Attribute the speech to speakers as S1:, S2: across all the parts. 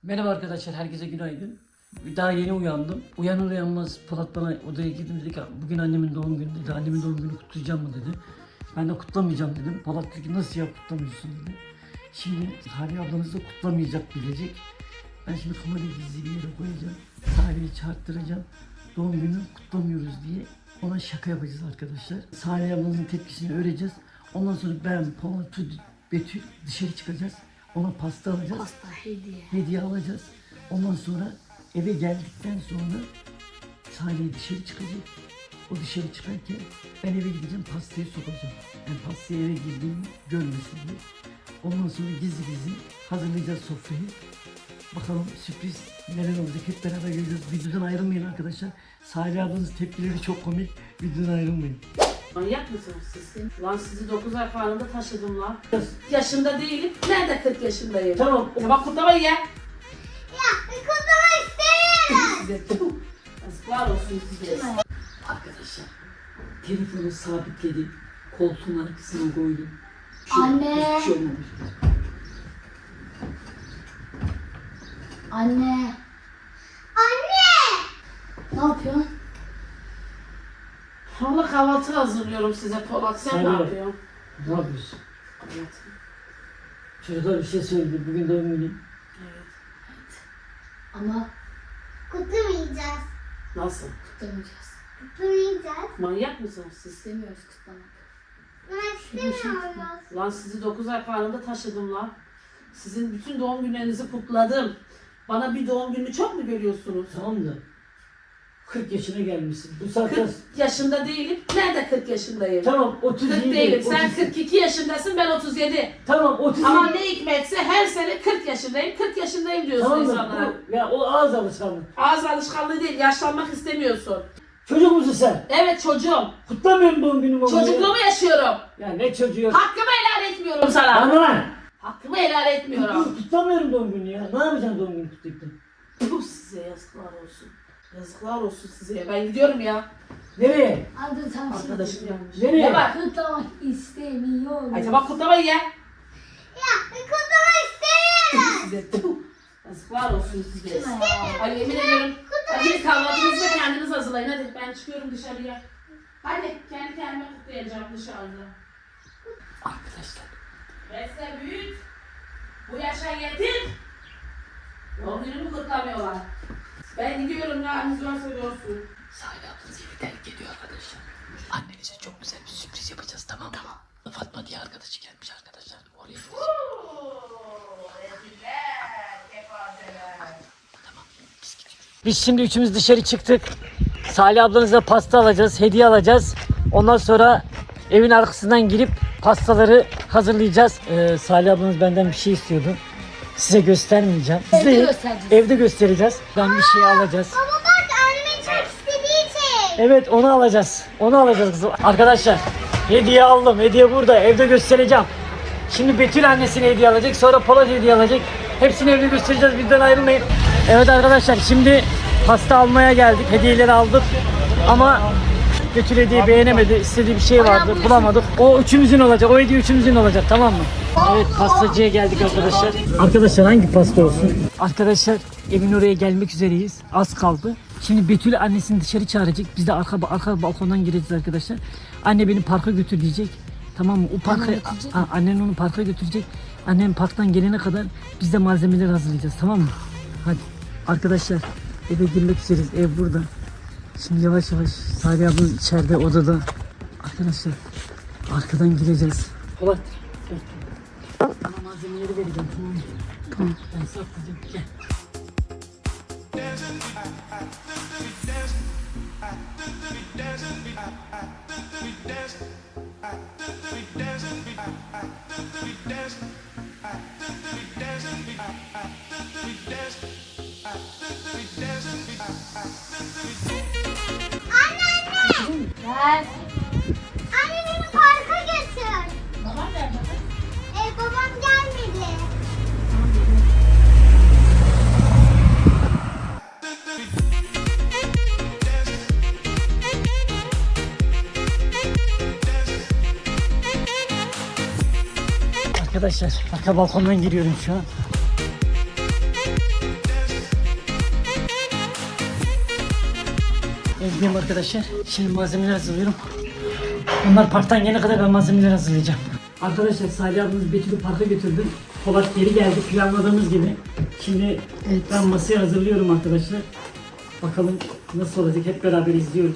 S1: Merhaba arkadaşlar, herkese günaydın. Daha yeni uyandım. Uyanır uyanmaz Polat bana odaya girdim, dedi ki bugün annemin doğum günü dedi. Annemin doğum günü kutlayacağım mı dedi. Ben de kutlamayacağım dedim. Polat dedi ki nasıl ya kutlamıyorsun dedi. Şimdi Salih ablanız da kutlamayacak bilecek. Ben şimdi kamerayı gizli bir yere koyacağım. Salih'i çağırttıracağım. Doğum günü kutlamıyoruz diye ona şaka yapacağız arkadaşlar. Salih ablanızın tepkisini öreceğiz. Ondan sonra ben, Polat, Betül dışarı çıkacağız. Ona pasta alacağız.
S2: Pasta, hediye.
S1: Hediye alacağız. Ondan sonra eve geldikten sonra Salih dışarı çıkacak. O dışarı çıkarken ben eve gideceğim, pastayı sokacağım. Yani pastayı eve girdiğimi görmesin diye. Ondan sonra gizli gizli hazırlayacağız sofrayı. Bakalım sürpriz neler olacak, hep beraber göreceğiz. Videodan ayrılmayın arkadaşlar. Salih ablanın tepkileri çok komik. Videodan ayrılmayın.
S3: Manyak mısınız siz? Lan sizi 9 ay falanında taşıdım lan. Yaşında değilim. Nerede 40 yaşındayım?
S1: Tamam.
S3: Bak kutlamayı ya.
S2: Ya kutlama istemiyorum.
S3: Size tüh. Yazıklar olsun size.
S1: Arkadaşlar telefonu sabitledim. Koltuğun arkasına koydum.
S2: Anne.
S1: Hiçbir şey olmamış.
S2: Anne. Anne. Ne yapıyorsun?
S3: Valla kahvaltı hazırlıyorum size Polat. Sen ne
S1: Hayır.
S3: yapıyorsun?
S1: Ne yapıyorsun?
S3: Evet.
S1: Çocuklar bir şey söyledi. Bugün doğum günü.
S3: Evet.
S2: Ama kutlamayacağız.
S3: Nasıl?
S2: Kutlamayacağız.
S4: Kutlamayacağız.
S3: Manyak mısınız siz?
S2: İstemiyoruz kutlamak.
S4: Ben istemiyoruz.
S3: Lan sizi 9 ay falanında taşıdım lan. Sizin bütün doğum günlerinizi kutladım. Bana bir doğum gününü çok mu görüyorsunuz?
S1: Tamam da 40 yaşına gelmişsin. Bu saatte
S3: 40 yaşında değilim. Nerede 40 yaşındayım?
S1: tamam
S3: 40
S1: 37.
S3: değilim. Sen
S1: 38.
S3: 42 yaşındasın, ben 37.
S1: Tamam 37.
S3: Ama ne hikmetse her sene 40 yaşındayım, 40 yaşındayım diyorsun
S1: Tamam da
S3: insanlara.
S1: ya o ağız alışkanlığı.
S3: Ağız alışkanlığı değil, yaşlanmak istemiyorsun.
S1: Çocuk musun sen?
S3: Evet çocuğum.
S1: Kutlamıyorum doğum günümü.
S3: Çocukluğumu yaşıyorum.
S1: Ya ne çocuğu?
S3: Hakkımı helal etmiyorum sana.
S1: Bana lan.
S3: Hakkımı helal etmiyorum.
S1: Kutlamıyorum doğum günü ya. Ne yapacaksın doğum günü kutlayıp da?
S3: Bu size yazıklar olsun. Yazıklar olsun size. Ben gidiyorum ya.
S1: Nereye?
S2: Hadi tam
S3: Arkadaşım gelmiş.
S1: Nereye?
S3: Ne var?
S2: Kutlamak istemiyorum.
S3: Ay tamam kutlamayın ya.
S4: Ya kutlama istemiyorum.
S3: Size tüh. Yazıklar olsun size.
S2: Kutla ya.
S3: Ay yemin ediyorum. Hadi kahvaltınızı da kendiniz hazırlayın. Hadi ben çıkıyorum dışarıya. Hadi kendi kendime kutlayacağım dışarıda.
S1: Arkadaşlar.
S3: Besle büyüt. Bu yaşa getir. Doğum günümü kutlamıyorlar. Ben gidiyorum ya. Haliniz varsa görsün.
S1: Salih ablanız evi terk ediyor arkadaşlar. Annenize çok güzel bir sürpriz yapacağız, tamam mı? Tamam. Fatma diye arkadaşı gelmiş arkadaşlar. Oraya gideceğiz. Tamam. Biz gidiyoruz. Biz şimdi üçümüz dışarı çıktık. Salih ablanıza pasta alacağız, hediye alacağız. Ondan sonra evin arkasından girip pastaları hazırlayacağız. Salih ablanız benden bir şey istiyordu. Size göstermeyeceğim.
S2: Evde
S1: Size
S2: göstereceğiz.
S1: evde göstereceğiz. Ben bir şey alacağız.
S4: Baba bak annemin çok istediği şey.
S1: Evet onu alacağız. Onu alacağız kızım. Arkadaşlar hediye aldım. Hediye burada. Evde göstereceğim. Şimdi Betül annesine hediye alacak. Sonra Polat hediye alacak. Hepsini evde göstereceğiz. Bizden ayrılmayın. Evet arkadaşlar şimdi pasta almaya geldik. Hediyeleri aldık. Ama Betül hediye beğenemedi. İstediği bir şey vardı. Bulamadık. O üçümüzün olacak. O hediye üçümüzün olacak. Tamam mı? Evet pastacıya geldik arkadaşlar. Arkadaşlar hangi pasta olsun? Arkadaşlar evin oraya gelmek üzereyiz. Az kaldı. Şimdi Betül annesini dışarı çağıracak. Biz de arka balkondan gireceğiz arkadaşlar. Anne beni parka götür diyecek. Tamam mı? O parka annen onu parka götürecek. Annem parktan gelene kadar biz de malzemeleri hazırlayacağız. Tamam mı? Hadi. Arkadaşlar eve girmek üzereyiz. Ev burada. Şimdi yavaş yavaş Salih abla içeride odada. Arkadaşlar arkadan gireceğiz. Polat. Sana malzemeleri vereceğim, tamam mı? Tamam. Ben saklayacağım. Gel.
S2: Ver.
S4: Anne beni parka götür.
S3: Babam nerede?
S4: Babam gelmedi.
S1: Arkadaşlar arka balkondan giriyorum şu an. gitmeyeyim arkadaşlar. Şimdi malzemeler hazırlıyorum. Onlar parktan gelene kadar ben malzemeler hazırlayacağım. Arkadaşlar Salih abimiz Betül'ü parka götürdü. Polat geri geldi planladığımız gibi. Şimdi ben masayı hazırlıyorum arkadaşlar. Bakalım nasıl olacak, hep beraber izliyoruz.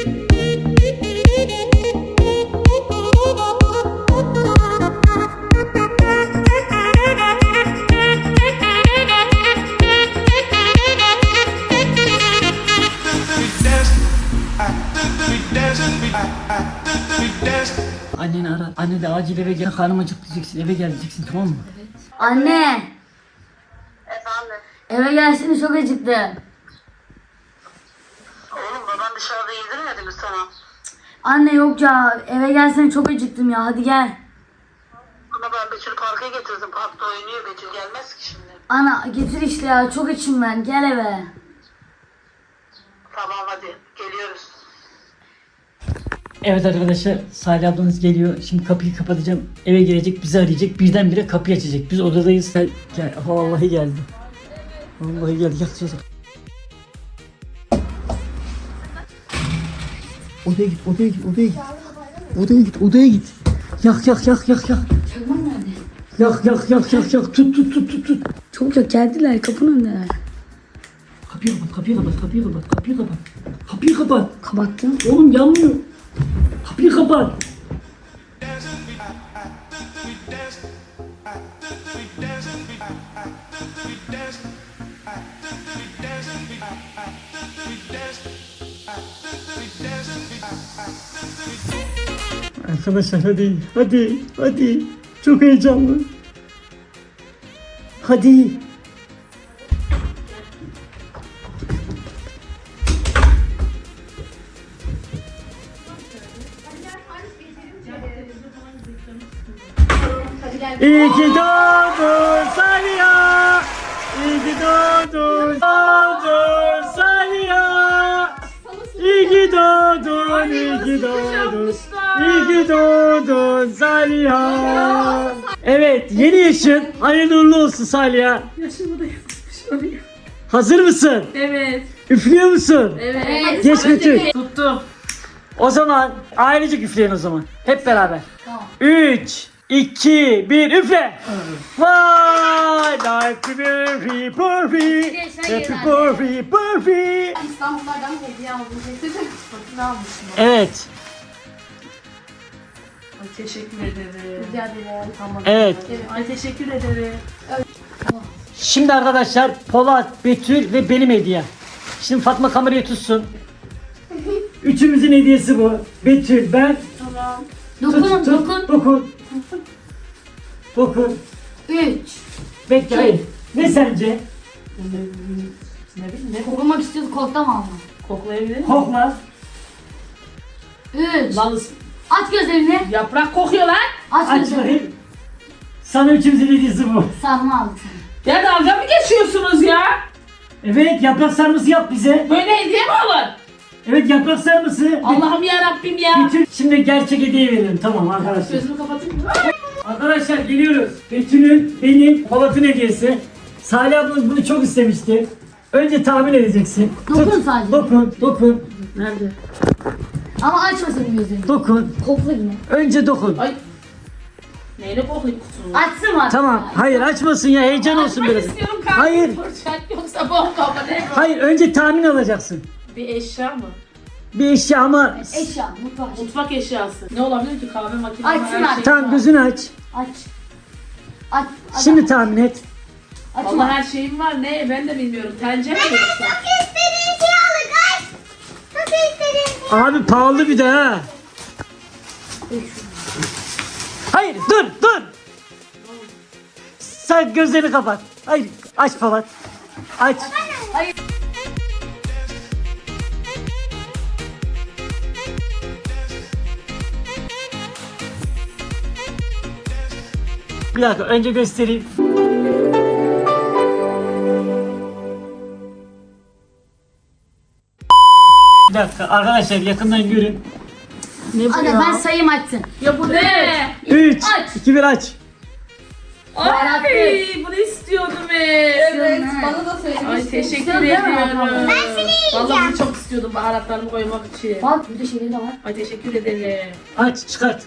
S1: Anneni ara. Anne de acil eve gel. Karnım acıktı diyeceksin. Eve gel diyeceksin, tamam mı?
S2: Anne.
S5: Efendim?
S2: Eve gelsene, çok acıktım.
S5: Oğlum baban dışarıda yedirmedi mi sana?
S2: Anne yok ya, eve gelsene, çok acıktım ya, hadi gel.
S5: Ama ben Betül parka getirdim. Parkta oynuyor. Betül gelmez ki şimdi.
S2: Ana getir işte ya, çok açım ben, gel eve.
S5: Tamam hadi. Geliyoruz.
S1: Evet arkadaşlar, Salih ablanız geliyor. Şimdi kapıyı kapatacağım. Eve gelecek, bizi arayacak. Birdenbire kapıyı açacak. Biz odadayız. Gel, gel. Vallahi geldi. Vallahi geldi. Yak çocuk. Odaya git, odaya git, odaya git. Odaya git, odaya git. Yak, yak, yak, yak, yak.
S2: Çakmak nerede?
S1: Yak, yak, yak, yak, yak. Tut, tut, tut, tut, tut.
S2: Çok yok, geldiler, kapının önündeler.
S1: Kapıyı kapat, kapıyı kapat, kapıyı kapat, kapıyı kapat. Kapıyı kapat.
S2: Kapattım.
S1: Oğlum yanmıyor. Kapıyı kapat. Arkadaşlar hadi, hadi, hadi. Çok heyecanlı. Hadi. İyi ki doğdun Saliha. İyi ki doğdun. Doğdun Saliha. İyi ki doğdun. İyi ki doğdun. İyi ki doğdun Saliha. Evet, yeni yaşın hayırlı uğurlu olsun Saliha.
S3: Yaşımı da yapmış olayım.
S1: Hazır mısın?
S3: Evet.
S1: Üflüyor musun?
S3: Evet.
S1: Geç Betül.
S3: Tuttum.
S1: O zaman ailecek üfleyin o zaman. Hep beraber.
S2: Tamam.
S1: 3, 2, 1 üfle. Vay! Happy birthday, birthday. Happy birthday, birthday.
S3: İstanbul'dan hediye aldım. Getirdim. Satın almışım.
S1: Evet,
S3: Ay teşekkür ederim.
S2: Rica ederim.
S3: Tamam.
S1: evet.
S3: Ay teşekkür ederim.
S1: Şimdi arkadaşlar Polat, Betül ve benim hediye. Şimdi Fatma kamerayı tutsun. Üçümüzün hediyesi bu. Betül, ben.
S3: Tamam.
S2: Dokunun, dokun.
S1: Dokun. Dokun.
S2: 3.
S1: Bekle, hayır. Ne sence?
S3: Ne bileyim ne
S2: Koklamak istiyorsun, koklama ama.
S3: koklayabilir miyim?
S1: Kokla.
S2: 3.
S3: Lan
S2: Aç gözlerini.
S3: yaprak kokuyor lan.
S2: Aç
S1: Aç
S2: gözlerini.
S1: bakayım. Sana üçümüzün hediyesi bu.
S2: Sarma aldım.
S3: Ya dalga mı geçiyorsunuz ya?
S1: Evet, yaprak sarması yap bize.
S3: Böyle hediye mi olur?
S1: Evet, yaprak sarması.
S3: Allah'ım ya Rabbim ya.
S1: Betül, şimdi gerçek hediye verelim, tamam arkadaşlar.
S3: Gözümü kapatayım mı?
S1: Arkadaşlar geliyoruz. Betül'ün, benim, Polat'ın hediyesi. Salih ablamız bunu çok istemişti. Önce tahmin edeceksin.
S2: Dokun sadece.
S1: Dokun, dokun,
S3: Nerede?
S2: Ama açmasın gözlerini.
S1: dokun.
S2: Kokla yine.
S1: Önce dokun.
S3: Ay. Neyle koklayayım kutusunu?
S2: Açsın mı?
S1: Tamam, hayır açmasın ya, heyecan olsun
S3: Açmak
S1: biraz.
S3: istiyorum kanka.
S1: Hayır,
S3: Fırçak yoksa bomba mı ne?
S1: hayır önce tahmin alacaksın.
S3: Bir eşya mı?
S1: Bir eşya ama...
S2: Eşya, mutfak.
S3: Mutfak eşyası. Ne olabilir ki? Kahve makinesi.
S2: Açsın
S3: her
S2: aç.
S3: şey
S1: Tamam,
S3: var.
S1: gözünü aç.
S2: Aç. Aç. Aç.
S1: Şimdi tahmin et.
S2: Açma.
S3: Vallahi her şeyim var. Ne? Ben de bilmiyorum. Tencere mi yoksa?
S4: Çok istediğin şey alın kaç. Çok istediğin şey.
S1: Abi pahalı bir de ha. Hayır, dur. Sen gözlerini kapat. Hayır, aç Polat. Aç. Bir dakika, önce göstereyim. Bir dakika arkadaşlar, yakından görün.
S3: Ne bu
S2: Anne
S3: ya?
S2: ben sayayım açsın.
S3: Ya bu ne?
S1: 3,
S2: Aç.
S1: 2, 1 aç.
S3: Ay, bunu istiyorum. istiyordum evet.
S2: Bana
S3: da söylemiştin. Ay teşekkür
S2: İstiyordum değil mi
S3: ediyorum.
S2: abla?
S4: Ben seni yiyeceğim.
S3: Vallahi çok istiyordum baharatlarımı koymak için.
S2: Bak burada şeyleri de var.
S3: Ay teşekkür ederim.
S1: Aç çıkart.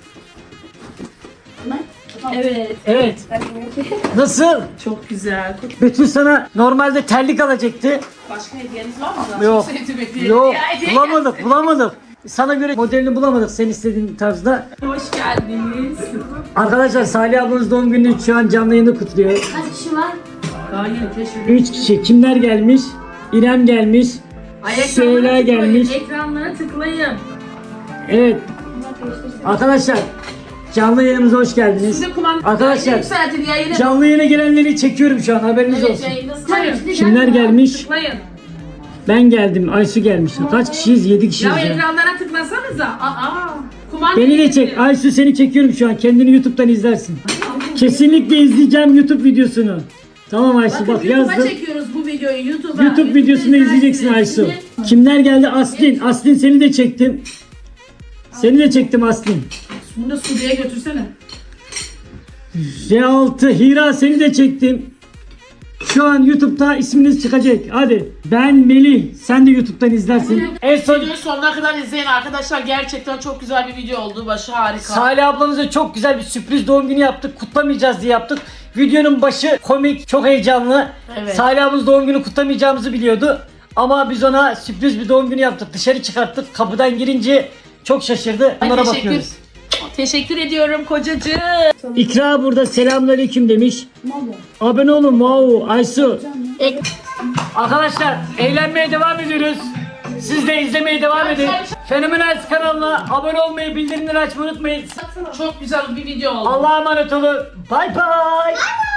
S3: Evet.
S1: Evet. Nasıl?
S3: Çok güzel.
S1: Betül sana normalde terlik alacaktı.
S3: Başka hediyeniz var mı?
S1: Yok.
S3: Çok sevdim hediyeyi.
S1: Yok.
S3: Ya, hediye
S1: Bulamadık. Sana göre modelini bulamadık sen istediğin tarzda.
S3: Hoş geldiniz.
S1: Arkadaşlar Salih ablanız doğum gününü şu an canlı yayında kutluyor.
S2: Kaç kişi var?
S3: Hayır keşfedin.
S1: 3 kişi. Kimler gelmiş? İrem gelmiş. Süheyla gelmiş.
S3: Ekranlara tıklayın.
S1: Evet. Arkadaşlar canlı yayınımıza hoş geldiniz.
S3: Size kumanda
S1: Arkadaşlar,
S3: yükseltin yayını.
S1: Canlı yayına gelenleri çekiyorum şu an haberiniz
S3: Evet
S1: olsun.
S3: yayındasın.
S2: Tabii.
S1: Kimler gelmiş?
S3: Tıklayın.
S1: Ben geldim. Aysu gelmiş. Kaç kişiyiz? 7 kişiyiz
S3: Ya
S1: ya.
S3: ekranlara tıklasanıza. Kumanda
S1: Beni de
S3: yayını.
S1: çek. Aysu seni çekiyorum şu an. Kendini YouTube'dan izlersin. Kesinlikle izleyeceğim YouTube videosunu. Tamam Aysu
S3: Bakın
S1: bak
S3: YouTube'a
S1: yazdım.
S3: çekiyoruz bu videoyu YouTube'a.
S1: YouTube videosunu izleyeceksin Aysu. Kimler geldi? Aslin. Aslin seni de çektim. Seni de çektim Aslin.
S3: Bunu da Suudi'ye götürsene.
S1: R6 Hira seni de çektim. Şu an YouTube'da isminiz çıkacak. Hadi. Ben Melih. Sen de YouTube'dan izlersin. En son
S3: Videoyu sonuna kadar izleyin arkadaşlar. Gerçekten çok güzel bir video oldu. Başı harika.
S1: Salih ablamıza çok güzel bir sürpriz doğum günü yaptık. Kutlamayacağız diye yaptık. Videonun başı komik, çok heyecanlı.
S3: Evet.
S1: Salih ablamız doğum günü kutlamayacağımızı biliyordu. Ama biz ona sürpriz bir doğum günü yaptık. Dışarı çıkarttık. Kapıdan girince çok şaşırdı.
S3: Ay,
S1: Onlara
S3: teşekkür.
S1: bakıyoruz.
S3: Teşekkür ediyorum kocacığım.
S1: İkra burada selamünaleyküm demiş. Abone olun wow Aysu. Arkadaşlar eğlenmeye devam ediyoruz. Siz de izlemeye devam edin. Fenomenal kanalına abone olmayı, bildirimleri açmayı unutmayın.
S3: Çok güzel bir video oldu.
S1: Allah'a emanet olun. Bye bye.